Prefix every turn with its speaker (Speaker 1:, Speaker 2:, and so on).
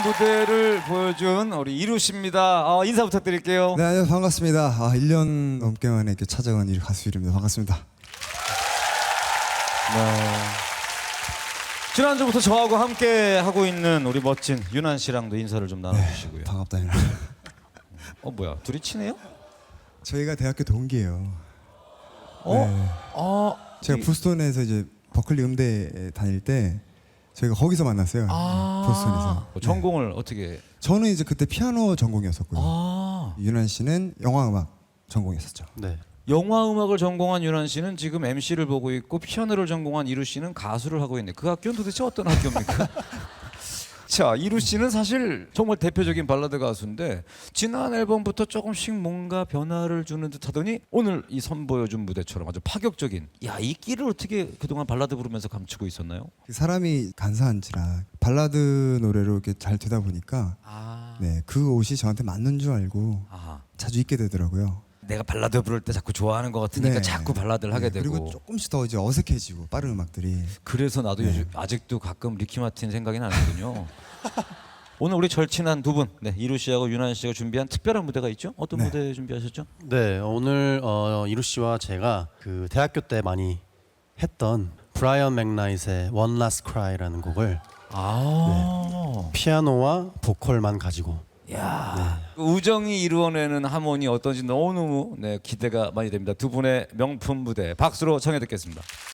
Speaker 1: 무대를 보여준 우리 이루 씨입니다. 인사 부탁드릴게요.
Speaker 2: 네, 안녕하세요. 반갑습니다. 1년 넘게 만에 이렇게 찾아간 이 가수 이루입니다. 반갑습니다.
Speaker 1: 네. 지난주부터 저하고 함께 하고 있는 우리 멋진 윤한 씨랑도 인사를 좀 나눠주시고요.
Speaker 2: 반갑다. 이루.
Speaker 1: 뭐야, 둘이 친해요?
Speaker 2: 저희가 대학교 동기예요.
Speaker 1: 어?
Speaker 2: 제가 보스턴에서 이제 버클리 음대에 다닐 때 저희가 거기서 만났어요. 보스턴에서.
Speaker 1: 전공을 어떻게?
Speaker 2: 저는 이제 그때 피아노 전공이었었고요. 윤한 씨는 영화음악 전공이었었죠.
Speaker 3: 네.
Speaker 1: 영화 음악을 전공한 윤한 씨는 지금 MC를 보고 있고 피아노를 전공한 이루 씨는 가수를 하고 있네. 그 학교는 도대체 어떤 학교입니까? 자, 이루 씨는 사실 정말 대표적인 발라드 가수인데 지난 앨범부터 조금씩 뭔가 변화를 주는 듯하더니 오늘 이 선보여준 무대처럼 아주 파격적인, 이 끼를 어떻게 그동안 발라드 부르면서 감추고 있었나요?
Speaker 2: 사람이 간사한지라 발라드 노래로 이렇게 잘 되다 보니까 네, 그 옷이 저한테 맞는 줄 알고 자주 입게 되더라고요.
Speaker 1: 내가 발라드 부를 때 자꾸 좋아하는 것 같으니까
Speaker 2: 네.
Speaker 1: 자꾸 발라드를 하게 되고.
Speaker 2: 그리고 조금씩 더 이제 어색해지고 빠른 음악들이.
Speaker 1: 그래서 나도 요즘 아직도 가끔 리키 마틴 생각이 나는군요. 오늘 우리 절친한 두 분, 이루 씨하고 윤한 씨가 준비한 특별한 무대가 있죠? 어떤 무대 준비하셨죠?
Speaker 3: 네, 오늘 이루 씨와 제가 그 대학교 때 많이 했던 브라이언 맥나잇의 One Last Cry라는 곡을 피아노와 보컬만 가지고
Speaker 1: 그 우정이 이루어내는 하모니 어떤지 너무너무 기대가 많이 됩니다. 두 분의 명품 무대 박수로 청해 듣겠습니다.